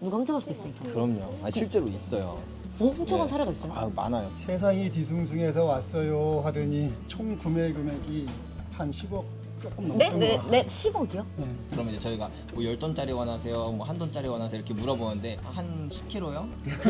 누가 훔쳐갈 수도 있으니까. 그럼요. 실제로 있어요. 훔쳐간 네. 사례가 있어요? 많아요. 세상이 뒤숭숭해서 왔어요 하더니 총 구매 금액이 한 10억 조금 네? 넘던 네? 거. 네? 10억이요? 네. 그러면 이제 저희가 뭐 10돈짜리 원하세요? 뭐 1돈짜리 원하세요? 이렇게 물어보는데 한 10kg요?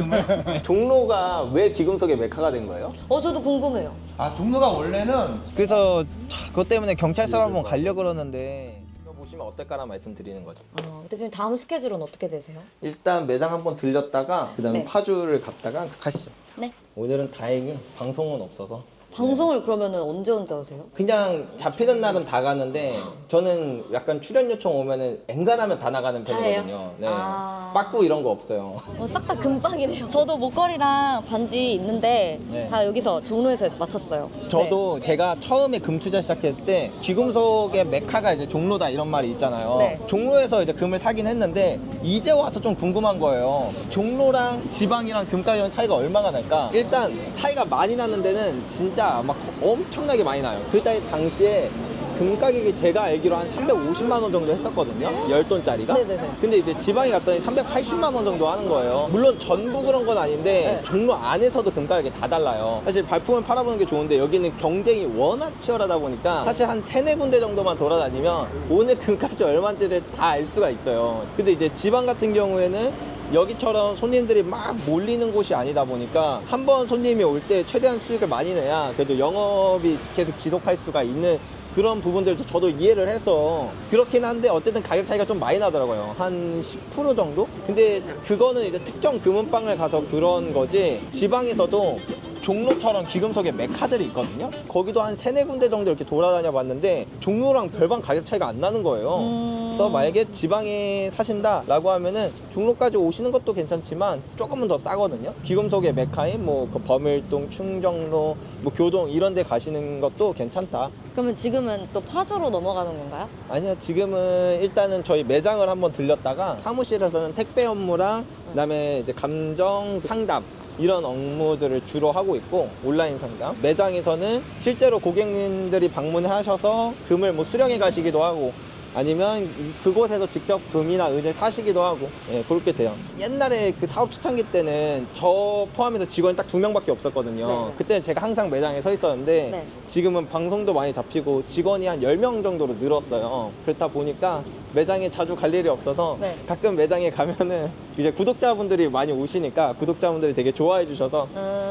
금을? 종로가 왜 기금속의 메카가 된 거예요? 저도 궁금해요. 종로가 원래는 그래서 그것 때문에 경찰서로 한번 가려고 그러는데 보시면 어떨까라 말씀드리는 거죠. 대표님 다음 스케줄은 어떻게 되세요? 일단 매장 한번 들렸다가 그다음에 네. 파주를 갔다가 가시죠. 네. 오늘은 다행히 방송은 없어서 방송을 그러면은 언제 하세요? 그냥 잡히는 날은 다 가는데 저는 약간 출연 요청 오면은 엔간하면 다 나가는 다 편이거든요. 해요? 네. 아. 빠꾸 이런 거 없어요. 싹 다 금빵이네요. 저도 목걸이랑 반지 있는데 네. 다 여기서 종로에서 맞췄어요. 저도 제가 처음에 금 투자 시작했을 때 귀금속의 메카가 이제 종로다 이런 말이 있잖아요. 네. 종로에서 이제 금을 사긴 했는데 이제 와서 좀 궁금한 거예요. 종로랑 지방이랑 금 가격 차이가 얼마나 날까? 일단 차이가 많이 나는 데는 진짜 막 엄청나게 많이 나요. 그때 당시에 금 가격이 제가 알기로 한 350만 원 정도 했었거든요. 10돈짜리가. 네네네. 근데 이제 지방에 갔더니 380만 원 정도 하는 거예요. 물론 전부 그런 건 아닌데 네. 종로 안에서도 금 가격이 다 달라요. 사실 발품을 팔아보는 게 좋은데 여기는 경쟁이 워낙 치열하다 보니까 사실 한 3-4군데 정도만 돌아다니면 오늘 금값이 얼마인지를 다 알 수가 있어요. 근데 이제 지방 같은 경우에는 여기처럼 손님들이 막 몰리는 곳이 아니다 보니까 한 번 손님이 올 때 최대한 수익을 많이 내야 그래도 영업이 계속 지속할 수가 있는 그런 부분들도 저도 이해를 해서 그렇긴 한데 어쨌든 가격 차이가 좀 많이 나더라고요. 한 10% 정도? 근데 그거는 이제 특정 금은방을 가서 그런 거지 지방에서도 종로처럼 귀금속의 메카들이 있거든요. 거기도 한 3-4군데 정도 이렇게 돌아다녀 봤는데 종로랑 별반 가격 차이가 안 나는 거예요. 그래서 만약에 지방에 사신다라고 하면은 종로까지 오시는 것도 괜찮지만 조금은 더 싸거든요. 귀금속의 메카인 뭐그 범일동, 충정로, 뭐 교동 이런 데 가시는 것도 괜찮다. 그러면 지금은 또 파주로 넘어가는 건가요? 아니요, 지금은 일단은 저희 매장을 한번 들렸다가 사무실에서는 택배 업무랑 그다음에 이제 감정 상담 이런 업무들을 주로 하고 있고 온라인 상담 매장에서는 실제로 고객님들이 방문하셔서 금을 뭐 수령해 가시기도 하고 아니면 그곳에서 직접 금이나 은을 사시기도 하고 그렇게 돼요. 옛날에 그 사업 초창기 때는 저 포함해서 직원이 딱 2명밖에 없었거든요. 네. 그때는 제가 항상 매장에 서 있었는데 네. 지금은 방송도 많이 잡히고 직원이 한 10명 정도로 늘었어요. 그렇다 보니까 매장에 자주 갈 일이 없어서 네. 가끔 매장에 가면은 이제 구독자분들이 많이 오시니까 구독자분들이 되게 좋아해 주셔서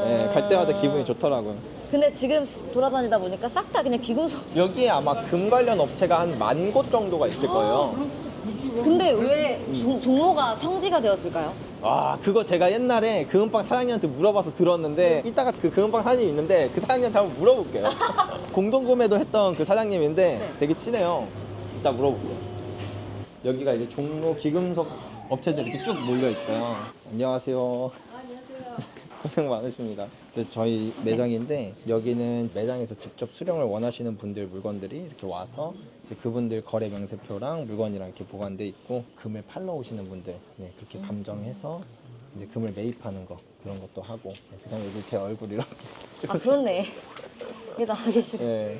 갈 때마다 기분이 좋더라고요. 근데 지금 돌아다니다 보니까 싹 다 그냥 귀금속. 여기에 아마 금 관련 업체가 한 10,000곳 정도가 있을 거예요. 근데 왜 종로가 성지가 되었을까요? 그거 제가 옛날에 금은방 사장님한테 물어봐서 들었는데 이따가 그 금은방 사장님이 있는데 그 사장님한테 한번 물어볼게요. 공동구매도 했던 그 사장님인데 되게 친해요. 이따 물어볼게요. 여기가 이제 종로 귀금속 업체들이 이렇게 쭉 몰려 있어요. 안녕하세요. 고생 많으십니다. 그래서 저희 매장인데 여기는 매장에서 직접 수령을 원하시는 분들 물건들이 이렇게 와서 그분들 거래 명세표랑 물건이랑 이렇게 보관돼 있고 금을 팔러 오시는 분들 그렇게 감정해서 이제 금을 매입하는 거 그런 것도 하고 그다음에 여기 제 얼굴 이렇게 그렇네. 여기 나와 계시네. 네.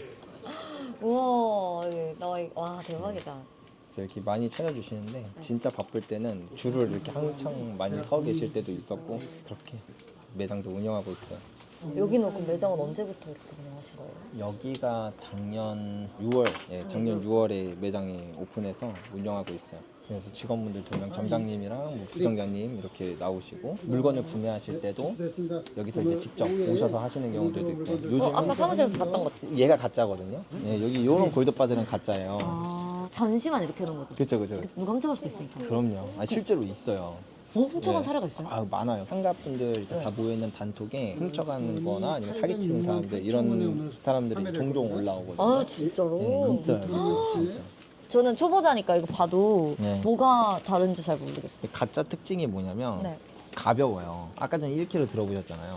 우와, 와 대박이다. 그래서 이렇게 많이 찾아주시는데 진짜 바쁠 때는 줄을 이렇게 한창 많이 서 계실 때도 있었고 그렇게 매장도 운영하고 있어요. 여기는 그럼 매장은 언제부터 이렇게 운영하신 거예요? 여기가 작년 6월, 작년 6월에 매장이 오픈해서 운영하고 있어요. 그래서 직원분들 2명, 점장님이랑 뭐 부점장님 이렇게 나오시고 물건을 구매하실 때도 됐습니다. 여기서 이제 직접 오셔서 하시는 경우들도 있고 요즘 아까 사무실에서 봤던 것. 얘가 가짜거든요. 여기 요런 골드바들은 가짜예요. 전시만 이렇게 해놓은 거죠? 그쵸. 누가 훔쳐갈 수도 있으니까. 그럼요. 실제로 있어요. 훔쳐간 네. 사례가 있어요? 많아요. 상가분들 이제 다 모여있는 단톡에 훔쳐간 거나 아니면 사기치는 사람들 이런 사람들이 종종 올라오거든요. 진짜로? 있어요. 진짜. 저는 초보자니까 이거 봐도 네. 뭐가 다른지 잘 모르겠어요. 가짜 특징이 뭐냐면 네. 가벼워요. 아까 전에 1kg 들어보셨잖아요.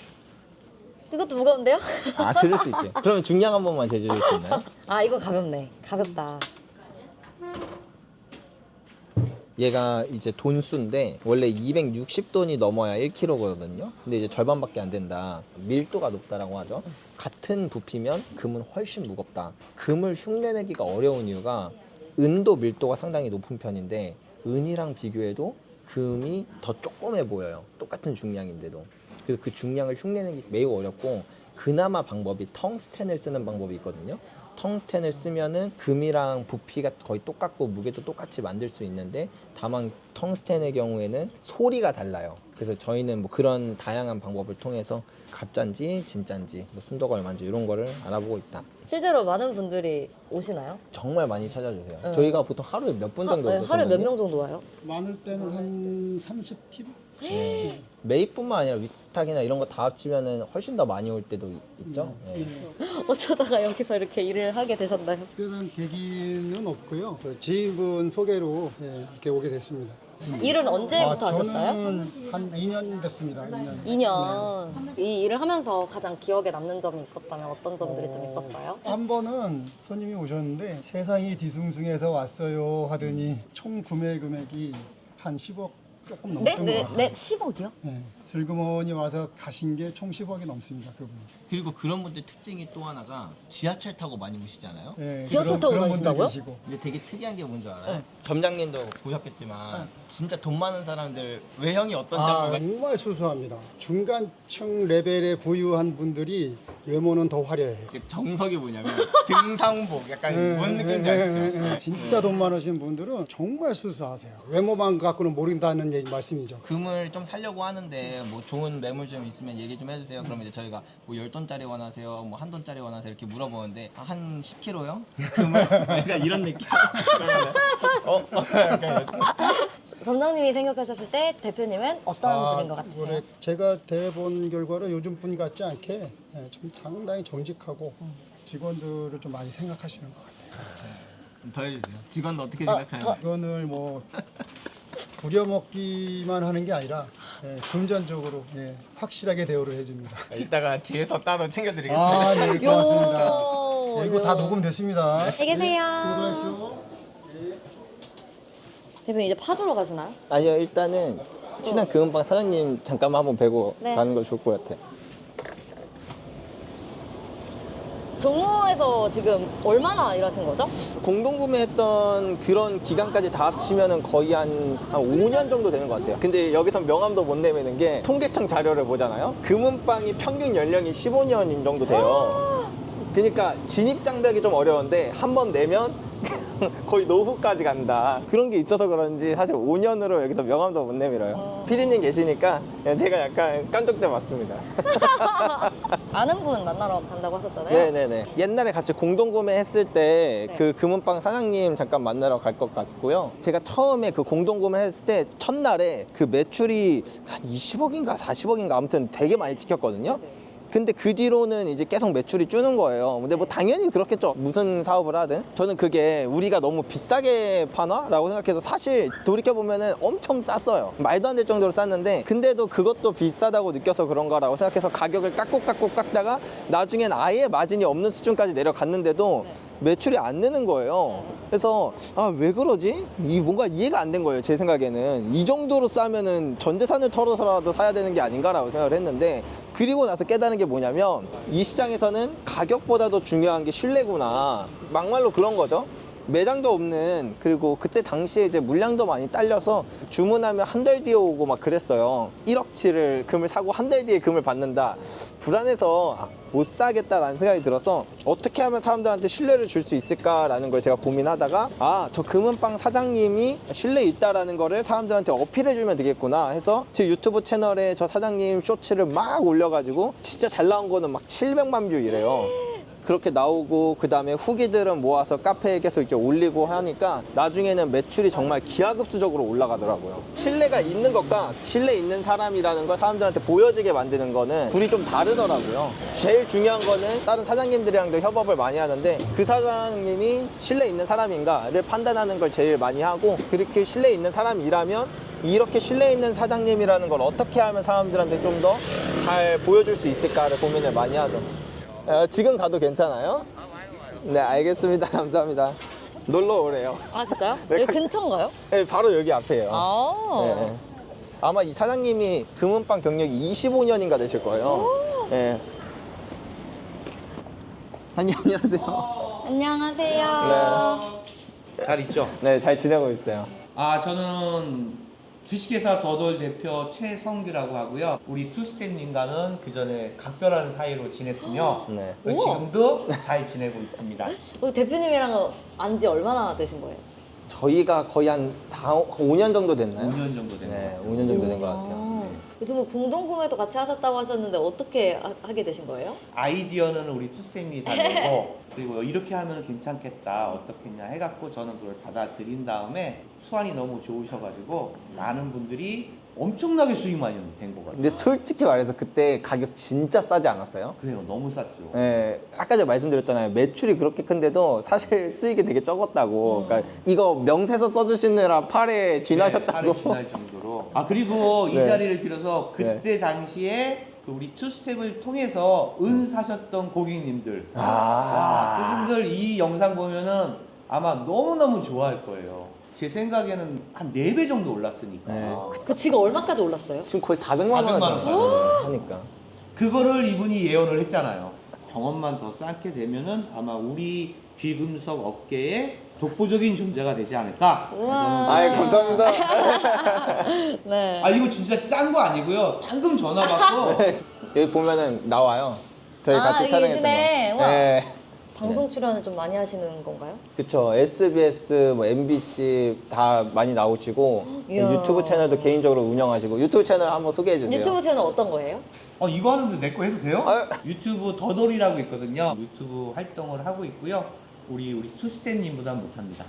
이것도 무거운데요? 그럴 수 있죠. 그러면 중량 한 번만 재주실 수 있나요? 이거 가볍네. 가볍다. 얘가 이제 돈수인데 원래 260돈이 넘어야 1kg거든요. 근데 이제 절반밖에 안 된다. 밀도가 높다라고 하죠. 같은 부피면 금은 훨씬 무겁다. 금을 흉내내기가 어려운 이유가 은도 밀도가 상당히 높은 편인데 은이랑 비교해도 금이 더 조그매 보여요. 똑같은 중량인데도. 그래서 그 중량을 흉내내기 매우 어렵고 그나마 방법이 텅스텐을 쓰는 방법이 있거든요. 텅스텐을 쓰면은 금이랑 부피가 거의 똑같고 무게도 똑같이 만들 수 있는데 다만 텅스텐의 경우에는 소리가 달라요. 그래서 저희는 뭐 그런 다양한 방법을 통해서 가짜인지 진짜인지 뭐 순도가 얼마인지 이런 거를 알아보고 있다. 실제로 많은 분들이 오시나요? 정말 많이 찾아주세요. 네. 저희가 보통 하루에 몇 분 정도 네, 오죠? 하루에 몇 선생님? 명 정도 와요? 많을 때는 한 30팀? 네. 매입뿐만 아니라 위탁이나 이런 거 다 합치면은 훨씬 더 많이 올 때도 있죠. 네. 어쩌다가 여기서 이렇게 일을 하게 되셨나요? 특별한 계기는 없고요. 저 지인분 소개로 이렇게 오게 됐습니다. 일은 언제부터 하셨어요? 저는 한 2년 됐습니다. 2년. 2년. 이 일을 하면서 가장 기억에 남는 점이 있었다면 어떤 점들이 좀 있었어요? 한 번은 손님이 오셨는데 세상이 뒤숭숭해서 왔어요 하더니 총 구매 금액이 한 10억 조금 네? 넘던 것 네, 같아요. 네, 10억이요? 네, 슬그머니 와서 가신 게 총 10억이 넘습니다. 그분이. 그리고 그런 분들 특징이 또 하나가 지하철 타고 많이 오시잖아요. 네, 지하철 타고 그런 분들 다니신다고요? 계시고. 근데 되게 특이한 게 뭔지 알아요? 점장님도 보셨겠지만 진짜 돈 많은 사람들 외형이 어떤지 한번 정말 수수합니다. 중간층 레벨에 부유한 분들이 외모는 더 화려해요. 정석이 뭐냐면 등상복 약간 뭔 느낌인지 아시죠? 진짜 돈 많으신 분들은 정말 수수하세요. 외모만 갖고는 모른다는 말씀이죠. 금을 좀 살려고 하는데 뭐 좋은 매물 좀 있으면 얘기 좀 해주세요. 그러면 이제 저희가 뭐 10돈짜리 원하세요? 뭐 1돈짜리 원하세요? 이렇게 물어보는데 한 10kg요? 금을? 약간 이런 느낌. 약간 이렇게. 점장님이 생각하셨을 때 대표님은 어떤 분인 것 같으세요? 올해 제가 대본 결과로 요즘 분 같지 않게 좀 상당히 정직하고 직원들을 좀 많이 생각하시는 것 같아요. 더 해주세요. 직원도 어떻게 더- 생각하나요? 직원을 뭐 부려먹기만 하는 게 아니라 금전적으로 확실하게 대우를 해줍니다. 이따가 뒤에서 따로 챙겨드리겠습니다. 아, 네, 고맙습니다. 요, 이거 다 녹음됐습니다. 안녕히 계세요. 수고하셨어요. 대표님 이제 파주로 가시나요? 아니요, 일단은 친한 금은방 사장님 잠깐만 한번 뵈고 네. 가는 거 좋을 것 같아요. 종로에서 지금 얼마나 일하신 거죠? 공동구매했던 그런 기간까지 다 합치면은 거의 한 5년 정도 되는 것 같아요. 근데 여기서 명함도 못 내미는 게 통계청 자료를 보잖아요. 금은방이 평균 연령이 15년인 정도 돼요. 그러니까 진입 장벽이 좀 어려운데 한 번 내면 거의 노후까지 간다. 그런 게 있어서 그런지 사실 5년으로 여기서 명함도 못 내밀어요. 피디님 계시니까 제가 약간 깐족돼 맞습니다. 아는 분 만나러 간다고 하셨잖아요. 네네네. 옛날에 같이 공동구매했을 때 그 금은방 사장님 잠깐 만나러 갈 것 같고요. 제가 처음에 그 공동구매를 했을 때 첫날에 그 매출이 한 20억인가 40억인가 아무튼 되게 많이 찍혔거든요. 근데 그 뒤로는 이제 계속 매출이 주는 거예요. 근데 뭐 당연히 그렇겠죠. 무슨 사업을 하든. 저는 그게 우리가 너무 비싸게 파나? 라고 생각해서 사실 돌이켜보면은 엄청 쌌어요. 말도 안 될 정도로 쌌는데 근데도 그것도 비싸다고 느껴서 그런가라고 생각해서 가격을 깎고 깎다가 나중엔 아예 마진이 없는 수준까지 내려갔는데도 매출이 안 느는 거예요. 그래서 아, 왜 그러지? 이 뭔가 이해가 안 된 거예요. 제 생각에는. 이 정도로 싸면은 전 재산을 털어서라도 사야 되는 게 아닌가라고 생각을 했는데 그리고 나서 깨달은 게 뭐냐면 이 시장에서는 가격보다도 중요한 게 신뢰구나. 막말로 그런 거죠. 매장도 없는, 그리고 그때 당시에 이제 물량도 많이 딸려서 주문하면 한 달 뒤에 오고 막 그랬어요. 1억치를 금을 사고 한 달 뒤에 금을 받는다. 불안해서 못 사겠다라는 생각이 들어서 어떻게 하면 사람들한테 신뢰를 줄 수 있을까라는 걸 제가 고민하다가 아, 저 금은방 사장님이 신뢰 있다라는 거를 사람들한테 어필해주면 되겠구나 해서 제 유튜브 채널에 저 사장님 쇼츠를 막 올려가지고 진짜 잘 나온 거는 막 700만 뷰 이래요. 그렇게 나오고 그 다음에 후기들은 모아서 카페에 계속 이렇게 올리고 하니까 나중에는 매출이 정말 기하급수적으로 올라가더라고요. 신뢰가 있는 것과 신뢰 있는 사람이라는 걸 사람들한테 보여지게 만드는 거는 둘이 좀 다르더라고요. 제일 중요한 거는 다른 사장님들이랑도 협업을 많이 하는데 그 사장님이 신뢰 있는 사람인가를 판단하는 걸 제일 많이 하고 그렇게 신뢰 있는 사람이라면 이렇게 신뢰 있는 사장님이라는 걸 어떻게 하면 사람들한테 좀 더 잘 보여줄 수 있을까를 고민을 많이 하죠. 지금 가도 괜찮아요? 네, 알겠습니다. 감사합니다. 놀러 오래요. 아 진짜요? 네, 여기 근처인가요? 네, 바로 여기 앞에요. 아. 네. 아마 이 사장님이 금은방 경력이 25년인가 되실 거예요. 네. 사장님 안녕하세요. 안녕하세요. 잘 있죠? 네, 잘 지내고 있어요. 아 저는 주식회사 더돌 대표 최성규라고 하고요. 우리 투스텝님과는 그 전에 각별한 사이로 지냈으며 네. 지금도 잘 지내고 있습니다. 대표님이랑 안지 얼마나 되신 거예요? 저희가 거의 한 5년 정도 됐나요? 5년 정도 된 것 네, 같아요. 5년 정도 된 것 같아요. 두 분 공동 구매도 같이 하셨다고 하셨는데 어떻게 하게 되신 거예요? 아이디어는 우리 투스텝이 다 내고 그리고 이렇게 하면 괜찮겠다 어떻겠냐 해갖고 저는 그걸 받아들인 다음에 수완이 너무 좋으셔가지고 많은 분들이 엄청나게 수익 많이 된 것 같아요. 근데 솔직히 말해서 그때 가격 진짜 싸지 않았어요? 그래요, 너무 쌌죠. 네, 아까 제가 말씀드렸잖아요. 매출이 그렇게 큰데도 사실 수익이 되게 적었다고. 그러니까 이거 명세서 써주시느라 팔에 쥐나셨다고. 팔에 쥐날 정도로. 아 그리고 이 네. 자리를 빌어서 그때 당시에 그 우리 투스텝을 통해서 은 사셨던 고객님들, 와, 그분들 이 영상 보면은 아마 너무너무 좋아할 거예요. 제 생각에는 한 4배 정도 올랐으니까. 네. 그 지금 얼마까지 올랐어요? 지금 거의 400만 원 400만 원까지. 하니까. 그거를 이분이 예언을 했잖아요. 경험만 더 쌓게 되면은 아마 우리 귀금속 업계에 독보적인 존재가 되지 않을까. 우와. 아이, 감사합니다. 네. 아 이거 진짜 짠 거 아니고요. 방금 전화 받고 여기 보면은 나와요. 저희 아, 같이 여기 촬영했던 계시네. 거. 우와. 네. 방송 출연을 좀 많이 하시는 건가요? 그쵸. SBS, 뭐 MBC 다 많이 나오시고 이야. 유튜브 채널도 개인적으로 운영하시고 유튜브 채널 한번 소개해 주세요. 유튜브 채널 어떤 거예요? 이거 하는데 내 거 해도 돼요? 아유. 유튜브 더돌이라고 있거든요. 유튜브 활동을 하고 있고요. 우리 투스텝님보다 못합니다.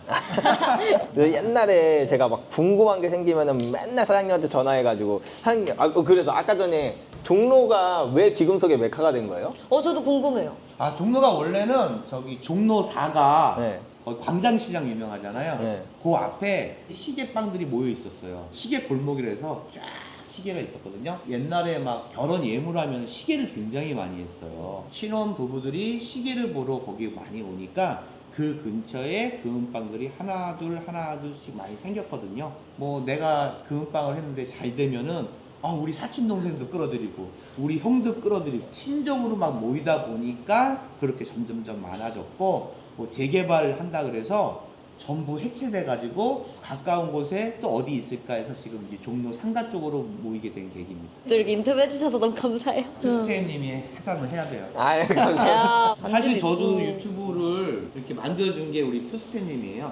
옛날에 제가 막 궁금한 게 생기면은 맨날 사장님한테 전화해가지고 그래서 아까 전에 종로가 왜 귀금속의 메카가 된 거예요? 저도 궁금해요. 아 종로가 원래는 저기 종로 4가 네. 광장시장 유명하잖아요. 네. 그 앞에 시계빵들이 모여 있었어요. 시계 골목이라서 쫙 시계가 있었거든요. 옛날에 막 결혼 예물하면 시계를 굉장히 많이 했어요. 신혼 부부들이 시계를 보러 거기 많이 오니까 그 근처에 금은방들이 하나 둘씩 많이 생겼거든요. 뭐 내가 금은방을 했는데 잘 되면은 우리 사촌 동생도 끌어들이고 우리 형도 끌어들이고 친정으로 막 모이다 보니까 그렇게 점점점 많아졌고 뭐 재개발을 한다 그래서 전부 해체돼 가지고 가까운 곳에 또 어디 있을까 해서 지금 이제 종로 상가 쪽으로 모이게 된 계기입니다. 이렇게 인터뷰해 주셔서 너무 감사해요. 투스테이님이 하자면 해야 돼요. 아유, 감사합니다. 야, 사실 저도 있고. 유튜브를 이렇게 만들어준 게 우리 투스테이님이에요.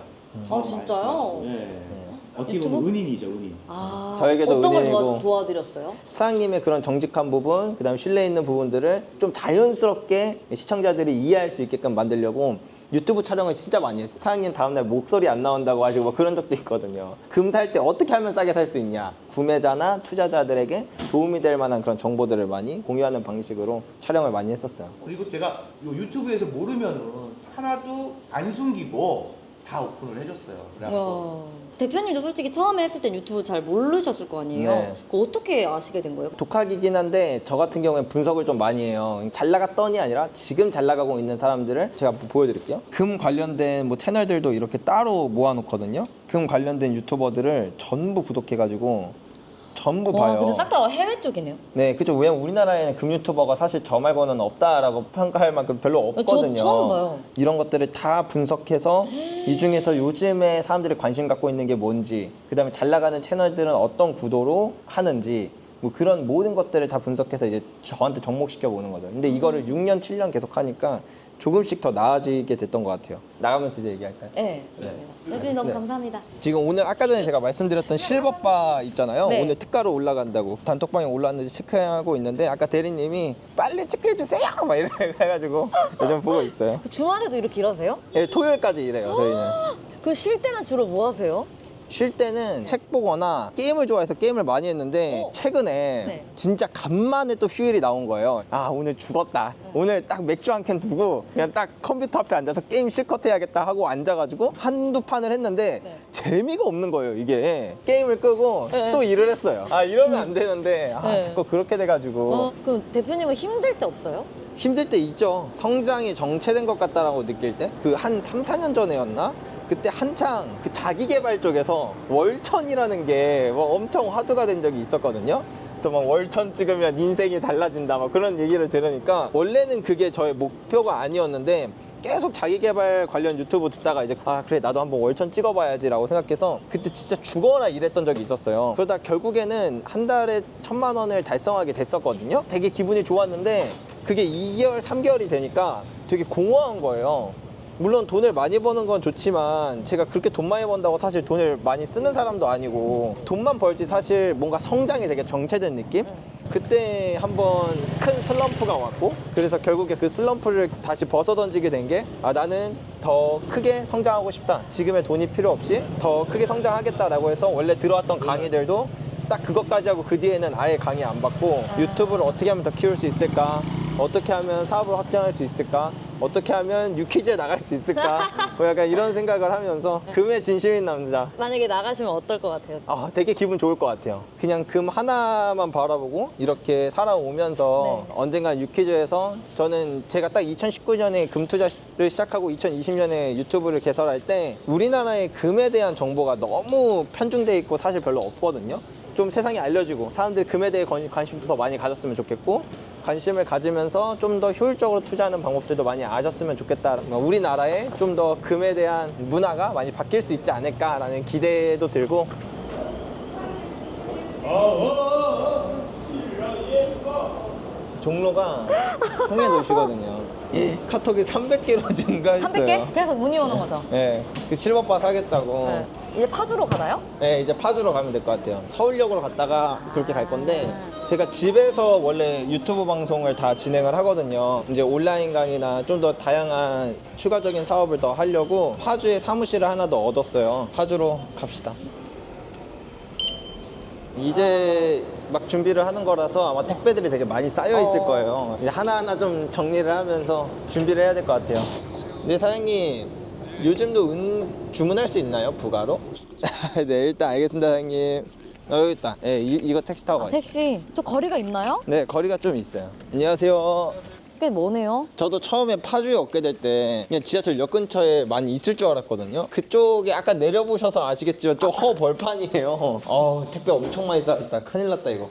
진짜요? 네. 어떻게 보면 유튜브? 은인이죠, 은인. 저에게도 어떤 걸 은인이고. 도와드렸어요? 사장님의 그런 정직한 부분, 그다음 신뢰 있는 부분들을 좀 자연스럽게 시청자들이 이해할 수 있게끔 만들려고 유튜브 촬영을 진짜 많이 했어요. 사장님 다음날 목소리 안 나온다고 하시고 뭐 그런 적도 있거든요. 금 살 때 어떻게 하면 싸게 살 수 있냐, 구매자나 투자자들에게 도움이 될 만한 그런 정보들을 많이 공유하는 방식으로 촬영을 많이 했었어요. 그리고 제가 요 유튜브에서 모르면은 하나도 안 숨기고 다 오픈을 해줬어요. 그래갖고 대표님도 솔직히 처음에 했을 땐 유튜브 잘 모르셨을 거 아니에요? 네. 그거 어떻게 아시게 된 거예요? 독학이긴 한데 저 같은 경우에 분석을 좀 많이 해요. 잘 나갔더니 아니라 지금 잘 나가고 있는 사람들을 제가 보여드릴게요. 금 관련된 뭐 채널들도 이렇게 따로 모아놓거든요. 금 관련된 유튜버들을 전부 구독해가지고 전부 봐요. 근데 싹 다 해외 쪽이네요. 네, 그죠. 왜냐면 우리나라에는 금 유튜버가 사실 저 말고는 없다라고 평가할 만큼 별로 없거든요. 저 처음 봐요. 이런 것들을 다 분석해서 이 중에서 요즘에 사람들이 관심 갖고 있는 게 뭔지, 그다음에 잘 나가는 채널들은 어떤 구도로 하는지, 뭐 그런 모든 것들을 다 분석해서 이제 저한테 접목시켜 보는 거죠. 근데 이거를 6년, 7년 계속 하니까 조금씩 더 나아지게 됐던 것 같아요. 나가면서 이제 얘기할까요? 네, 좋습니다. 대표님 너무 네. 감사합니다. 지금 오늘 아까 전에 제가 말씀드렸던 실버바 있잖아요. 네. 오늘 특가로 올라간다고 단톡방에 올라왔는지 체크하고 있는데 아까 대리님이 빨리 체크해 주세요 막 이래 해가지고 요즘 보고 있어요. 그 주말에도 이렇게 일하세요? 예, 토요일까지 일해요 저희는. 그 쉴 때는 주로 뭐 하세요? 쉴 때는 책 보거나 게임을 좋아해서 게임을 많이 했는데 최근에 네. 진짜 간만에 또 휴일이 나온 거예요. 아 오늘 죽었다. 오늘 딱 맥주 한 캔 두고 그냥 딱 컴퓨터 앞에 앉아서 게임 실컷 해야겠다 하고 앉아가지고 한두 판을 했는데 네. 재미가 없는 거예요 이게. 게임을 끄고 네. 또 일을 했어요. 아 이러면 안 되는데 네. 자꾸 그렇게 돼가지고 그럼 대표님은 힘들 때 없어요? 힘들 때 있죠. 성장이 정체된 것 같다라고 느낄 때 그 한 3, 4년 전에였나? 그때 한창 그 자기 개발 쪽에서 월천이라는 게 뭐 엄청 화두가 된 적이 있었거든요. 그래서 막 월천 찍으면 인생이 달라진다 막 그런 얘기를 들으니까 원래는 그게 저의 목표가 아니었는데 계속 자기 개발 관련 유튜브 듣다가 이제 아 그래 나도 한번 월천 찍어봐야지라고 생각해서 그때 진짜 죽어라 일했던 적이 있었어요. 그러다 결국에는 한 달에 1,000만 원을 달성하게 됐었거든요. 되게 기분이 좋았는데 그게 2개월, 3개월이 되니까 되게 공허한 거예요. 물론 돈을 많이 버는 건 좋지만 제가 그렇게 돈 많이 번다고 사실 돈을 많이 쓰는 사람도 아니고 돈만 벌지 사실 뭔가 성장이 되게 정체된 느낌? 그때 한번 큰 슬럼프가 왔고 그래서 결국에 그 슬럼프를 다시 벗어던지게 된 게 아 나는 더 크게 성장하고 싶다. 지금의 돈이 필요 없이 더 크게 성장하겠다라고 해서 원래 들어왔던 강의들도 딱 그것까지 하고 그 뒤에는 아예 강의 안 받고 유튜브를 어떻게 하면 더 키울 수 있을까? 어떻게 하면 사업을 확장할 수 있을까? 어떻게 하면 유퀴즈에 나갈 수 있을까? 뭐 약간 이런 생각을 하면서 금에 진심인 남자. 만약에 나가시면 어떨 것 같아요? 아, 되게 기분 좋을 것 같아요. 그냥 금 하나만 바라보고 이렇게 살아오면서 네. 언젠가 유퀴즈에서 저는 제가 딱 2019년에 금 투자를 시작하고 2020년에 유튜브를 개설할 때 우리나라의 금에 대한 정보가 너무 편중돼 있고 사실 별로 없거든요. 좀 세상에 알려지고 사람들이 금에 대해 관심도 더 많이 가졌으면 좋겠고 관심을 가지면서 좀 더 효율적으로 투자하는 방법들도 많이 아셨으면 좋겠다. 우리나라에 좀 더 금에 대한 문화가 많이 바뀔 수 있지 않을까라는 기대도 들고 종로가 홍해도시거든요. 이 카톡이 300개로 증가했어요. 300개? 계속 문의 오는 거죠? 네, 그 실버바 사겠다고. 네. 이제 파주로 가나요? 네, 이제 파주로 가면 될 것 같아요. 서울역으로 갔다가 그렇게 갈 건데 제가 집에서 원래 유튜브 방송을 다 진행을 하거든요. 이제 온라인 강의나 좀 더 다양한 추가적인 사업을 더 하려고 파주에 사무실을 하나 더 얻었어요. 파주로 갑시다. 이제 막 준비를 하는 거라서 아마 택배들이 되게 많이 쌓여 있을 거예요. 이제 하나하나 좀 정리를 하면서 준비를 해야 될 것 같아요. 네, 사장님. 요즘도 주문할 수 있나요? 부가로? 네, 일단 알겠습니다, 사장님. 여기 있다. 네, 이거 택시 타고 가시죠. 택시. 좀 거리가 있나요? 네, 거리가 좀 있어요. 안녕하세요. 꽤 머네요. 저도 처음에 파주에 얻게 될 때 그냥 지하철역 근처에 많이 있을 줄 알았거든요. 그쪽에 아까 내려보셔서 아시겠지만 좀 허벌판이에요. 택배 엄청 많이 쌓였다. 큰일 났다 이거.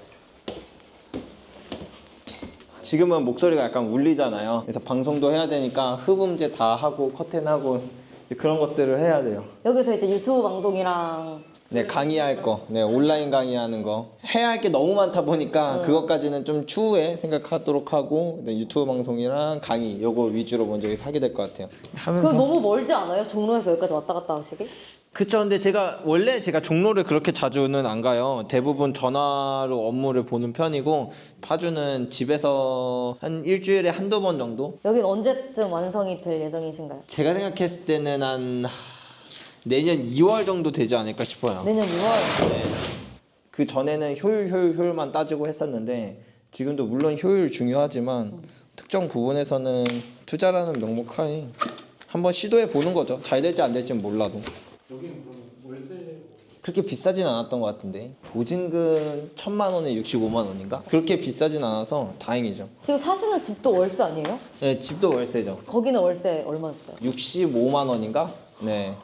지금은 목소리가 약간 울리잖아요. 그래서 방송도 해야 되니까 흡음제 다 하고 커튼하고 그런 것들을 해야 돼요. 여기서 이제 유튜브 방송이랑 네, 강의할 거, 네, 온라인 강의하는 거 해야 할 게 너무 많다 보니까 그것까지는 좀 추후에 생각하도록 하고 네, 유튜브 방송이랑 강의 요거 위주로 먼저 여기서 하게 될 것 같아요. 하면서 그럼 너무 멀지 않아요? 종로에서 여기까지 왔다 갔다 하시기? 그쵸. 근데 원래 제가 종로를 그렇게 자주는 안 가요. 대부분 전화로 업무를 보는 편이고 파주는 집에서 한 일주일에 한두 번 정도? 여긴 언제쯤 완성이 될 예정이신가요? 제가 생각했을 때는 한 내년 2월 정도 되지 않을까 싶어요. 내년 6월. 네. 그 전에는 효율만 따지고 했었는데 지금도 물론 효율 중요하지만 특정 부분에서는 투자라는 명목하에 한번 시도해 보는 거죠. 잘 될지 안 될지는 몰라도. 여기는 그럼 월세 그렇게 비싸진 않았던 것 같은데 보증금 1,000만 원에 65만 원인가? 그렇게 비싸진 않아서 다행이죠. 지금 사시는 집도 월세 아니에요? 네, 집도 월세죠. 거기는 월세 얼마 줬어요? 65만 원인가? 네.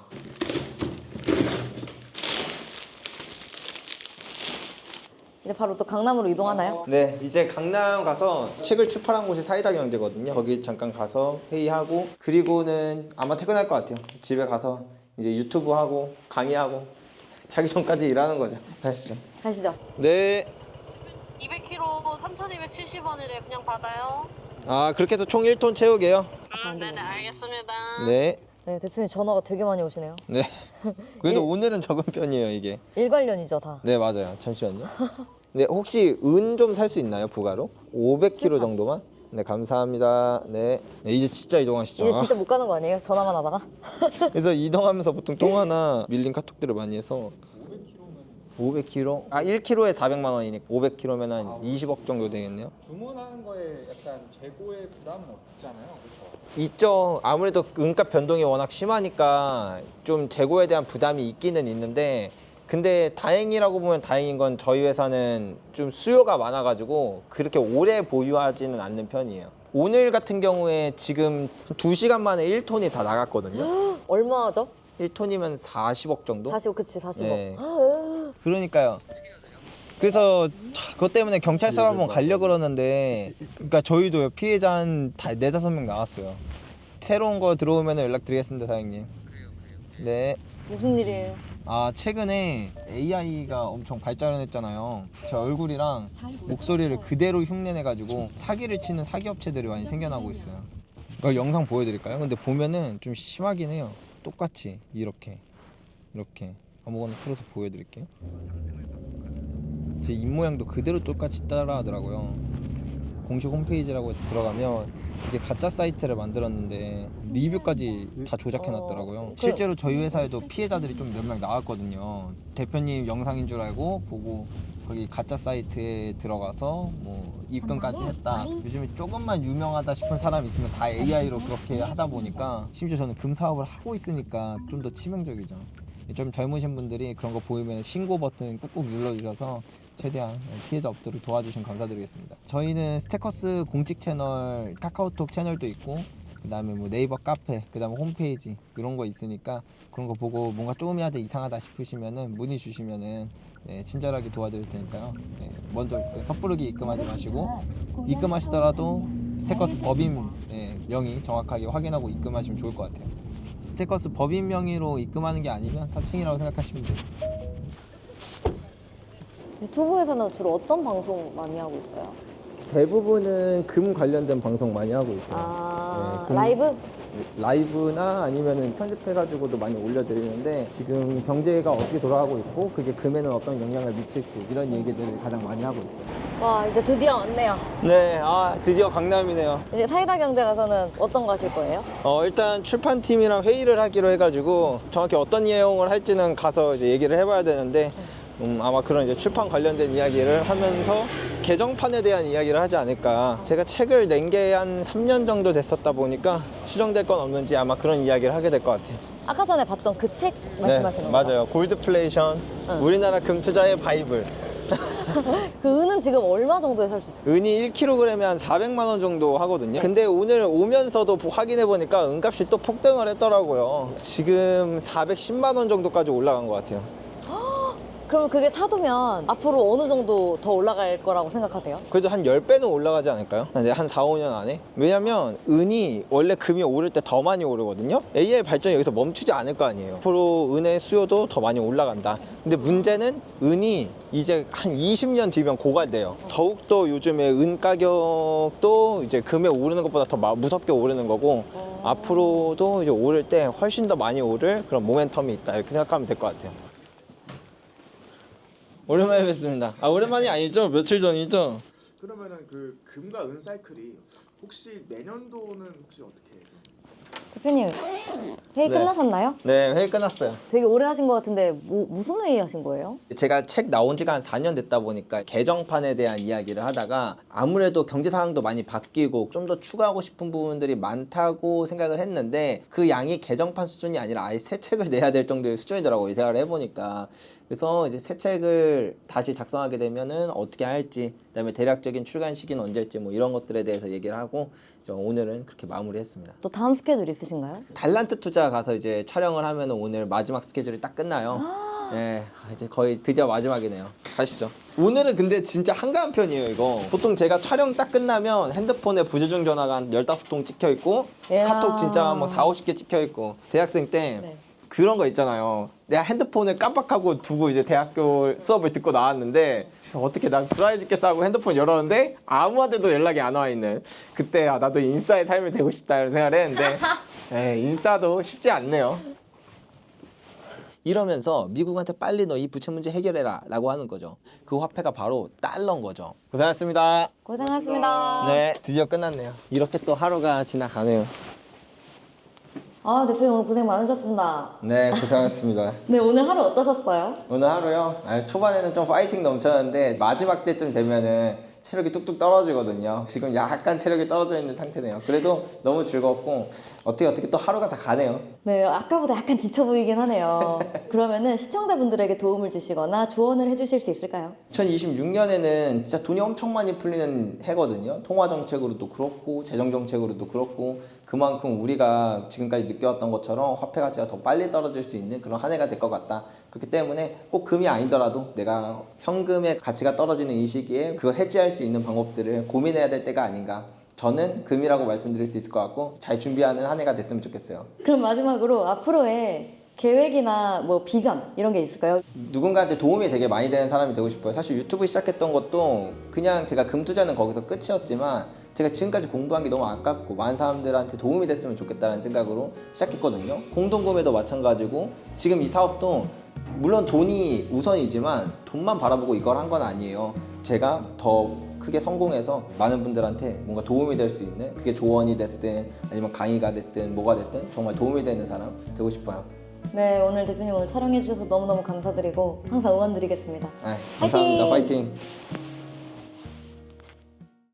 이제 바로 또 강남으로 이동하나요? 네, 이제 강남 가서 책을 출판한 곳이 사이다 경제거든요. 거기 잠깐 가서 회의하고 그리고는 아마 퇴근할 것 같아요. 집에 가서 이제 유튜브 하고 강의하고 자기 전까지 일하는 거죠. 가시죠. 가시죠. 네. 200kg 3,270원이래. 그냥 받아요. 아, 그렇게 해서 총 1톤 채우게요. 네네, 알겠습니다. 네. 네, 대표님 전화가 되게 많이 오시네요. 네. 그래도 일- 오늘은 적은 편이에요, 이게. 일관련이죠, 다. 네, 맞아요. 잠시만요. 네, 혹시 은 좀 살 수 있나요, 부가로? 500kg 정도만? 네, 감사합니다. 네. 네, 이제 진짜 이동하시죠. 이제 진짜 못 가는 거 아니에요? 전화만 하다가? 그래서 이동하면서 보통 통화나 밀린 카톡들을 많이 해서 500kg? 아, 1kg에 400만 원이니까 500kg면 한 20억 정도 되겠네요. 주문하는 거에 약간 재고의 부담은 없잖아요, 그렇죠? 있죠. 아무래도 은값 변동이 워낙 심하니까 좀 재고에 대한 부담이 있기는 있는데 근데 다행이라고 보면 다행인 건 저희 회사는 좀 수요가 많아가지고 그렇게 오래 보유하지는 않는 편이에요. 오늘 같은 경우에 지금 2시간 만에 1톤이 다 나갔거든요. 얼마죠? 1톤이면 40억 정도? 40억, 그치, 40억. 네. 그러니까요. 그래서 그것 때문에 경찰서 한번 가려고 그러는데 그러니까 저희도 피해자 한 4-5명 나왔어요. 새로운 거 들어오면 연락드리겠습니다, 사장님. 네. 무슨 일이에요? 아, 최근에 AI가 엄청 발전을 했잖아요. 제 얼굴이랑 목소리를 그대로 흉내내가지고 사기를 치는 사기 업체들이 많이 생겨나고 있어요. 이거 영상 보여드릴까요? 근데 보면은 좀 심하긴 해요. 똑같이 이렇게 아무거나 틀어서 보여드릴게요. 제 입모양도 그대로 똑같이 따라하더라고요. 공식 홈페이지라고 해서 들어가면 이게 가짜 사이트를 만들었는데 리뷰까지 다 조작해놨더라고요. 실제로 저희 회사에도 피해자들이 좀 몇 명 나왔거든요. 대표님 영상인 줄 알고 보고 거기 가짜 사이트에 들어가서 뭐 입금까지 했다. 요즘에 조금만 유명하다 싶은 사람 있으면 다 AI로 그렇게 하다 보니까, 심지어 저는 금 사업을 하고 있으니까 좀 더 치명적이죠. 좀 젊으신 분들이 그런 거 보이면 신고 버튼 꾹꾹 눌러주셔서 최대한 피해자 업들을 도와주시면 감사드리겠습니다. 저희는 스테커스 공식 채널, 카카오톡 채널도 있고, 그 다음에 뭐 네이버 카페, 그 다음에 홈페이지 이런 거 있으니까 그런 거 보고 뭔가 조금이라도 이상하다 싶으시면은 문의 주시면은 네, 친절하게 도와드릴 테니까요. 네, 먼저 섣부르게 입금하지 마시고, 입금하시더라도 스테커스 법인 명의 정확하게 확인하고 입금하시면 좋을 것 같아요. 스테커스 법인 명의로 입금하는 게 아니면 사칭이라고 생각하시면 돼요. 유튜브에서는 주로 어떤 방송 많이 하고 있어요? 대부분은 금 관련된 방송 많이 하고 있어요. 아, 네, 라이브? 라이브나 아니면은 편집해가지고도 많이 올려드리는데, 지금 경제가 어떻게 돌아가고 있고 그게 금에는 어떤 영향을 미칠지 이런 얘기들을 가장 많이 하고 있어요. 와, 이제 드디어 왔네요. 네, 드디어 강남이네요. 이제 사이다 경제 가서는 어떤 거 하실 거예요? 일단 출판팀이랑 회의를 하기로 해가지고 정확히 어떤 내용을 할지는 가서 이제 얘기를 해봐야 되는데, 아마 그런 이제 출판 관련된 이야기를 하면서 개정판에 대한 이야기를 하지 않을까. 제가 책을 낸 게 한 3년 정도 됐었다 보니까 수정될 건 없는지 아마 그런 이야기를 하게 될 것 같아요. 아까 전에 봤던 그 책 말씀하시는 거죠? 맞아요. 골드플레이션, 응. 우리나라 금투자의 바이블. 그 은은 지금 얼마 정도에 살 수 있어요? 은이 1kg에 한 400만 원 정도 하거든요. 근데 오늘 오면서도 확인해 보니까 은값이 또 폭등을 했더라고요. 지금 410만 원 정도까지 올라간 것 같아요. 그럼 그게 사두면 앞으로 어느 정도 더 올라갈 거라고 생각하세요? 그래도 한 10배는 올라가지 않을까요? 한 4, 5년 안에? 왜냐면 은이 원래 금이 오를 때 더 많이 오르거든요. AI 발전이 여기서 멈추지 않을 거 아니에요. 앞으로 은의 수요도 더 많이 올라간다. 근데 문제는 은이 이제 한 20년 뒤면 고갈돼요. 더욱더 요즘에 은 가격도 이제 금에 오르는 것보다 더 무섭게 오르는 거고, 앞으로도 이제 오를 때 훨씬 더 많이 오를 그런 모멘텀이 있다, 이렇게 생각하면 될 것 같아요. 오랜만에 뵙습니다. 오랜만이 아니죠? 며칠 전이죠? 그러면은 그 금과 은 사이클이 혹시 내년도는 혹시 어떻게 해요? 대표님, 회의 네. 끝나셨나요? 네, 회의 끝났어요. 되게 오래 하신 것 같은데 무슨 회의 하신 거예요? 제가 책 나온 지가 한 4년 됐다 보니까 개정판에 대한 이야기를 하다가 아무래도 경제 상황도 많이 바뀌고 좀 더 추가하고 싶은 부분들이 많다고 생각을 했는데, 그 양이 개정판 수준이 아니라 아예 새 책을 내야 될 정도의 수준이더라고요, 생각을 해보니까. 그래서 이제 새 책을 다시 작성하게 되면은 어떻게 할지, 그다음에 대략적인 출간 시기는 언제일지 뭐 이런 것들에 대해서 얘기를 하고, 오늘은 그렇게 마무리했습니다. 또 다음 스케줄 있으신가요? 달란트 투자 가서 이제 촬영을 하면은 오늘 마지막 스케줄이 딱 끝나요. 네, 이제 거의 드디어 마지막이네요. 가시죠. 오늘은 근데 진짜 한가한 편이에요, 이거. 보통 제가 촬영 딱 끝나면 핸드폰에 부재중 전화가 한 15통 찍혀 있고, 이야. 카톡 진짜 뭐 4, 50개 찍혀 있고. 대학생 때 네. 그런 거 있잖아요. 내가 핸드폰을 깜빡하고 두고 이제 대학교 수업을 듣고 나왔는데, 어떻게 난 드라이 죽겠어 하고 핸드폰 열었는데 아무한테도 연락이 안 와 있는, 그때 나도 인싸의 삶이 되고 싶다 이런 생각을 했는데 인싸도 쉽지 않네요. 이러면서 미국한테 빨리 너 이 부채 문제 해결해라 라고 하는 거죠. 그 화폐가 바로 달러인 거죠. 고생하셨습니다. 고생하셨습니다. 네, 드디어 끝났네요. 이렇게 또 하루가 지나가네요. 아, 대표님 오늘 고생 많으셨습니다. 네, 고생하셨습니다. 네, 오늘 하루 어떠셨어요? 오늘 하루요? 초반에는 좀 파이팅 넘쳤는데 마지막 때쯤 되면은 체력이 뚝뚝 떨어지거든요. 지금 약간 체력이 떨어져 있는 상태네요. 그래도 너무 즐겁고 어떻게 또 하루가 다 가네요. 네, 아까보다 약간 지쳐 보이긴 하네요. 그러면은 시청자분들에게 도움을 주시거나 조언을 해주실 수 있을까요? 2026년에는 진짜 돈이 엄청 많이 풀리는 해거든요. 통화 정책으로도 그렇고 재정 정책으로도 그렇고, 그만큼 우리가 지금까지 느껴왔던 것처럼 화폐 가치가 더 빨리 떨어질 수 있는 그런 한 해가 될 것 같다. 그렇기 때문에 꼭 금이 아니더라도 내가 현금의 가치가 떨어지는 이 시기에 그걸 해지할 수 있는 방법들을 고민해야 될 때가 아닌가, 저는 금이라고 말씀드릴 수 있을 것 같고 잘 준비하는 한 해가 됐으면 좋겠어요. 그럼 마지막으로 앞으로의 계획이나 뭐 비전 이런 게 있을까요? 누군가한테 도움이 되게 많이 되는 사람이 되고 싶어요. 사실 유튜브 시작했던 것도 그냥 제가 금 투자는 거기서 끝이었지만 제가 지금까지 공부한 게 너무 아깝고 많은 사람들한테 도움이 됐으면 좋겠다는 생각으로 시작했거든요. 공동구매도 마찬가지고 지금 이 사업도 물론 돈이 우선이지만 돈만 바라보고 이걸 한 건 아니에요. 제가 더 크게 성공해서 많은 분들한테 뭔가 도움이 될 수 있는, 그게 조언이 됐든 아니면 강의가 됐든 뭐가 됐든 정말 도움이 되는 사람 되고 싶어요. 네, 오늘 대표님 오늘 촬영해 주셔서 너무너무 감사드리고 항상 응원 드리겠습니다. 감사합니다. 화이팅! 파이팅!